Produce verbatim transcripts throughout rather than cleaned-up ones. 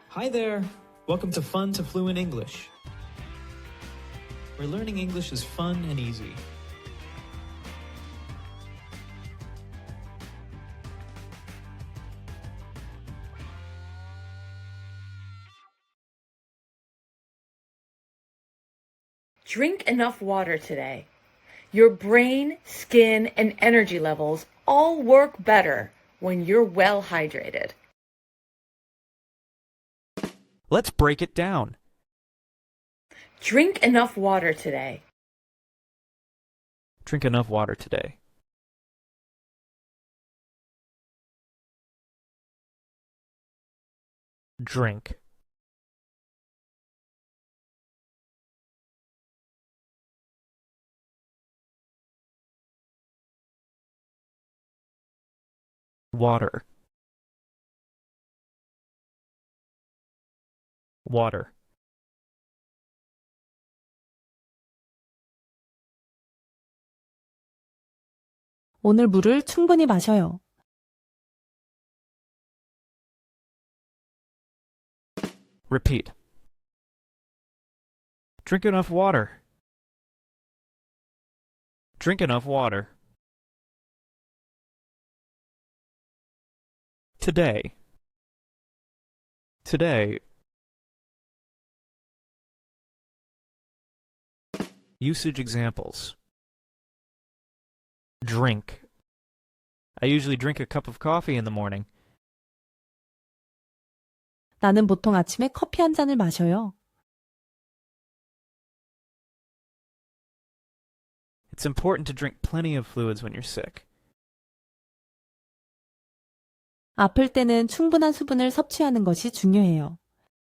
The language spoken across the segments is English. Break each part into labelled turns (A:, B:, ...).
A: Hi there! Welcome to Fun to Fluent English, where learning English is fun and easy.
B: Drink enough water today. Your brain, skin, and energy levels all work better when you're well hydrated.
C: Let's break it down.
B: Drink enough water today.
C: Drink enough water today. Drink. Water. Water.
D: 오늘 물을 충분히 마셔요.
C: Repeat. Drink enough water. Drink enough water. Today. Today. Usage examples. Drink. I usually drink a cup of coffee in the morning.
D: 나는 보통 아침에 커피 한 잔을 마셔요.
C: It's important to drink plenty of fluids when you're sick.
D: 아플 때는 충분한 수분을 섭취하는 것이 중요해요.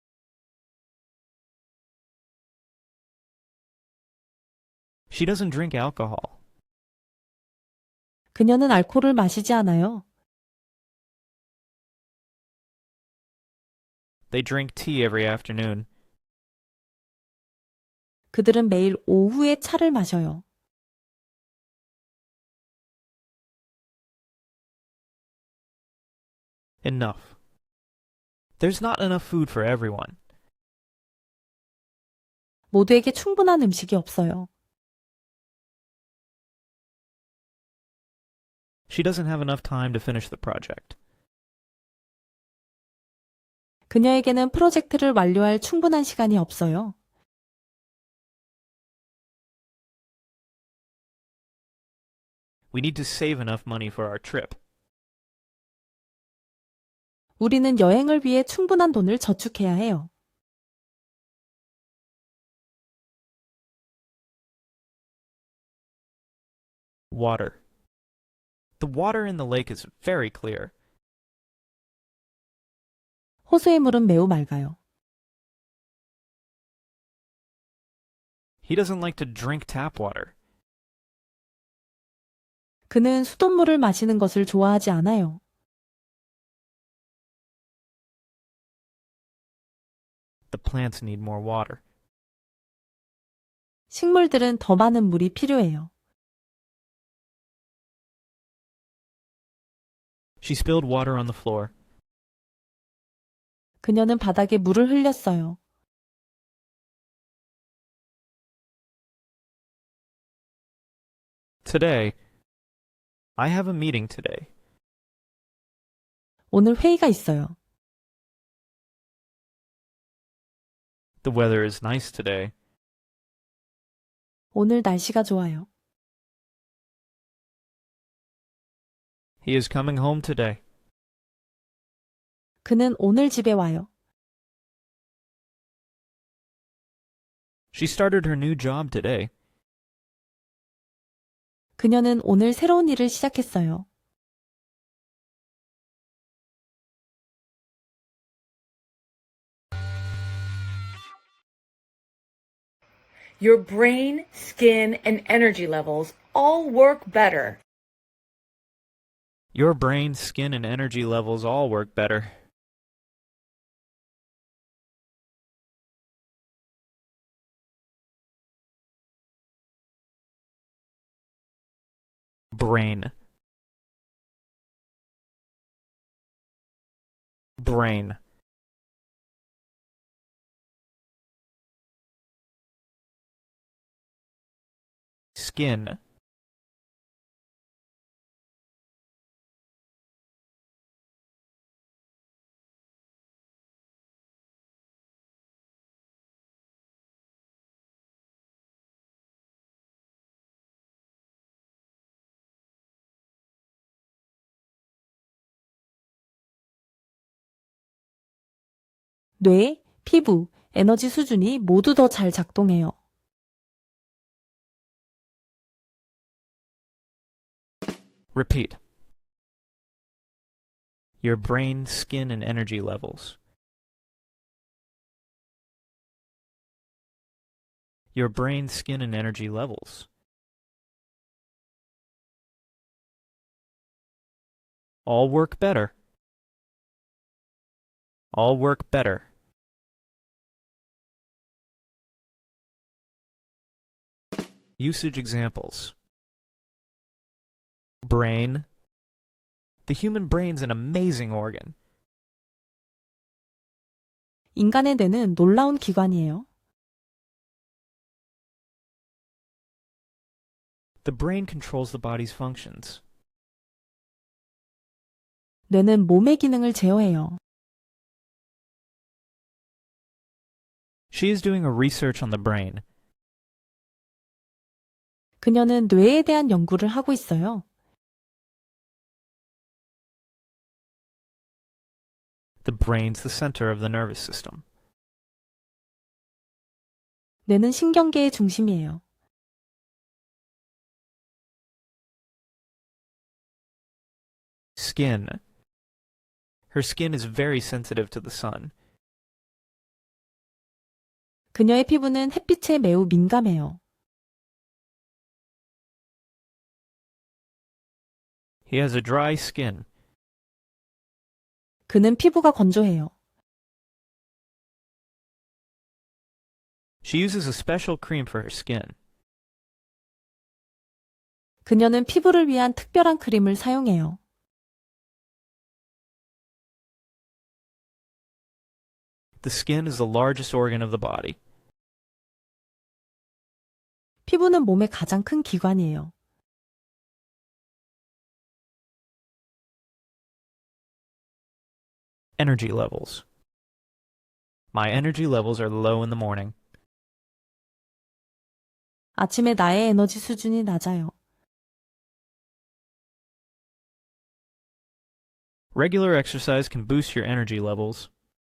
C: She doesn't drink alcohol.
D: 그녀는 알코올을 마시지 않아요.
C: They drink tea every afternoon.
D: 그들은 매일 오후에 차를 마셔요.
C: Enough. There's not enough food for everyone.
D: 모두에게 충분한 음식이 없어요.
C: She doesn't have enough time to finish the project.
D: 그녀에게는 프로젝트를 완료할 충분한 시간이 없어요.
C: We need to save enough money for our trip.
D: 우리는 여행을 위해 충분한 돈을 저축해야 해요.
C: Water. The water in the lake is very clear.
D: 호수의 물은 매우 맑아요.
C: He doesn't like to drink tap water.
D: 그는 수돗물을 마시는 것을 좋아하지 않아요.
C: The plants need more water.
D: 식물들은 더 많은 물이 필요해요.
C: She spilled water on the floor.
D: 그녀는 바닥에 물을 흘렸어요.
C: Today, I have a meeting today.
D: 오늘 회의가 있어요.
C: The weather is nice today.
D: 오늘 날씨가 좋아요.
C: He is coming home today.
D: 그는 오늘 집에 와요.
C: She started her new job today.
D: 그녀는 오늘 새로운 일을 시작했어요.
B: Your brain, skin, and energy levels all work better.
C: Your brain, skin, and energy levels all work better. Brain. Brain. skin.
D: 뇌, 피부, 에너지 수준이 모두 더 잘 작동해요.
C: Repeat. Your brain, skin, and energy levels. Your brain, skin, and energy levels. All work better. All work better. Usage examples. Brain. The human brain's an amazing organ.
D: 인간의 뇌는 놀라운 기관이에요.
C: The brain controls the body's functions.
D: 뇌는 몸의 기능을 제어해요.
C: She is doing a research on the brain.
D: 그녀는 뇌에 대한 연구를 하고 있어요.
C: The brain's the center of the nervous system.
D: 뇌는 신경계의 중심이에요.
C: Skin. Her skin is very sensitive to the sun.
D: 그녀의 피부는 햇빛에 매우 민감해요.
C: He has a dry skin.
D: 그는 피부가 건조해요.
C: She uses a special cream for her skin.
D: 그녀는 피부를 위한 특별한 크림을 사용해요.
C: The skin is the largest organ of the body.
D: 피부는 몸의 가장 큰 기관이에요.
C: Energy levels. My energy levels are low in the morning.
D: 아침에 나의 에너지 수준이 낮아요.
C: Regular exercise can boost your energy levels.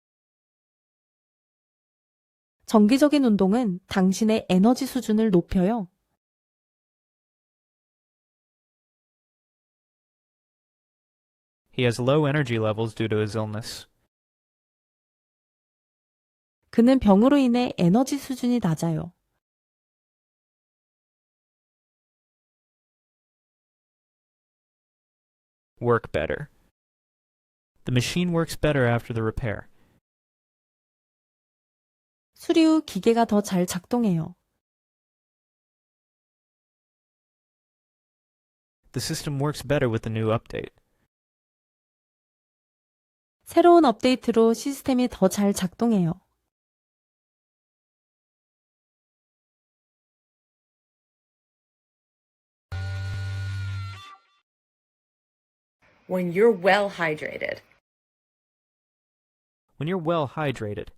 D: 정기적인 운동은 당신의 에너지 수준을 높여요.
C: He has low energy levels due to his illness.
D: 그는 병으로 인해 에너지 수준이 낮아요.
C: Work better. The machine works better after the repair.
D: 수리 후 기계가 더 잘 작동해요.
C: The system works better with the new update.
D: 새로운 업데이트로 시스템이 더 잘 작동해요.
B: When you're well hydrated.
C: When you're well hydrated.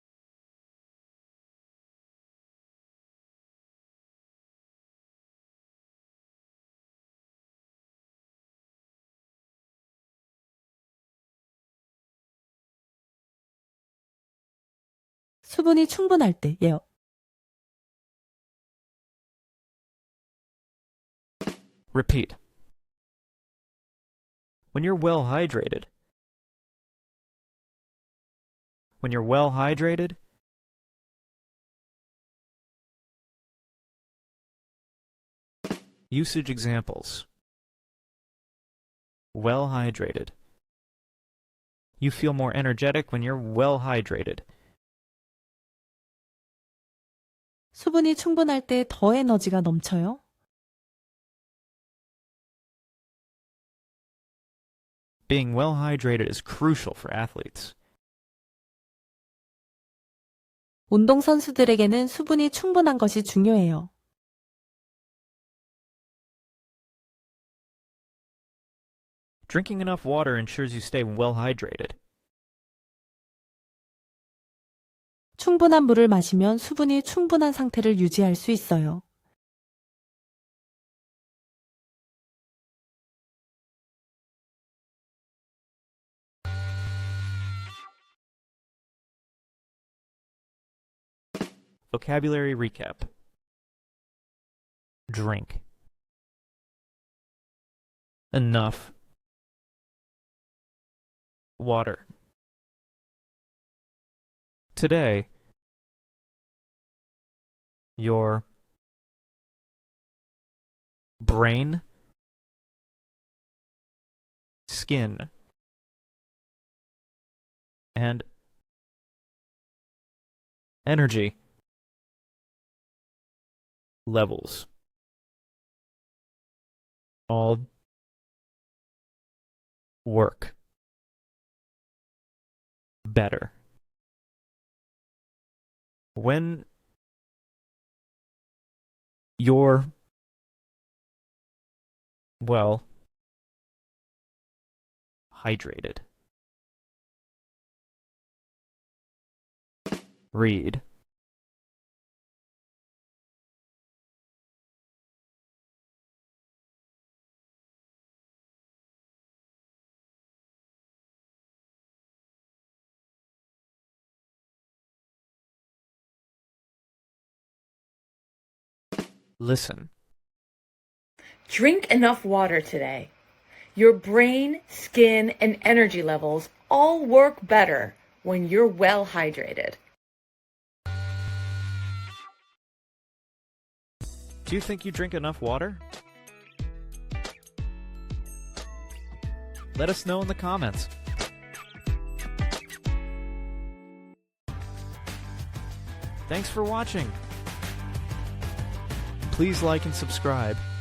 D: 수분이 충분할 때예요.
C: Repeat. When you're well hydrated. When you're well hydrated. Usage examples. Well hydrated. You feel more energetic when you're well hydrated.
D: 수분이 충분할 때 더 에너지가 넘쳐요.
C: Being well hydrated is crucial for athletes.
D: 운동선수들에게는 수분이 충분한 것이 중요해요.
C: Drinking enough water ensures you stay well hydrated.
D: 충분한 물을 마시면 수분이 충분한 상태를 유지할 수 있어요.
C: Vocabulary recap. Drink. Enough. Water. Today, your brain, skin, and energy levels all work better when you're well hydrated. Read. Listen.
B: Drink enough water today. Your brain, skin, and energy levels all work better when you're well hydrated.
C: Do you think you drink enough water? Let us know in the comments. Thanks for watching. Please like and subscribe.